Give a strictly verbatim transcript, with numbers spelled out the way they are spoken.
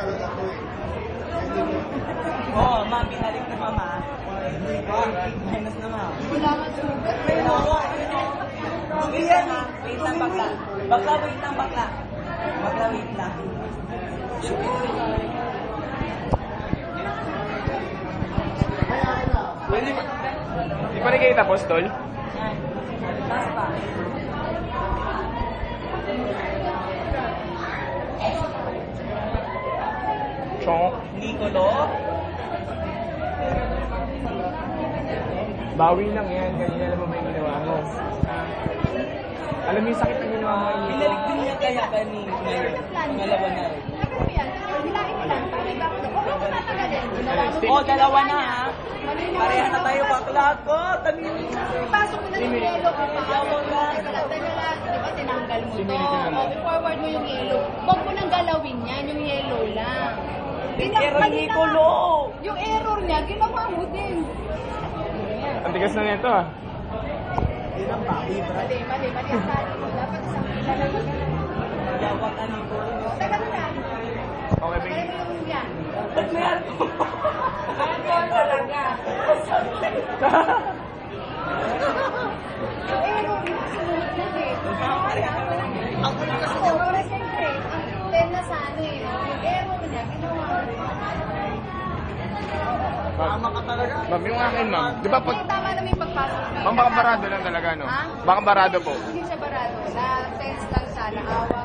Oo, oh, ma, binalik na mama. Minus na ma. Wala nga sugat. Wait lang, wait lang bakla. Bakla, wait lang bakla. Bakla, wait lang. Hindi pa, di pa nakikita, Apostol? Yan. Taas pa. Chonk. Nicolo. Bawi lang yan. Kanina alam mo ba yung ginawa mo? Alam mo yung sakit na ginawa mo. Binalik din niya kaya kani ngayon. Pangalawa na rin. Ano yan? Hilain nila. Parang ba ako? Huwag mo tatagalin. Ginawa mo. Oh, dalawa na ha. Pareha na tayo bakla ko. Tamin. Pasok mo na yung yellow ka pa. Yawa ka. Teka lang, teka lang. Di ba tinanggal mo to? Sinili ka naman. I-forward mo yung yellow. Huwag mo nang galawin yan, yung yellow lang. Gina- Pero mali na Nicolo. nga. Yung error niya, ginawa mo din. Ang tigas na nito ah. Mali, mali, mali ang tali mo. Dapat isang pila lang yung gano'n. Yawa ka Nicolo. Teka lang. Okay, Teka babe. mo yung yan. Ba't may ano? Ano talaga? Yung error niya, sinunod na eh. Ako na kasi Oo, pero siyempre, ang ten na sana eh. Yung error niya, ginawa mo. tama ka talaga. Ma'am, yung akin, ma'am. Di ba pag... Hindi, tama naman yung pagpasok mo. Ma'am, baka barado lang talaga, no? Ha? Baka barado po. Hindi siya barado. Na tense lang siya, naawa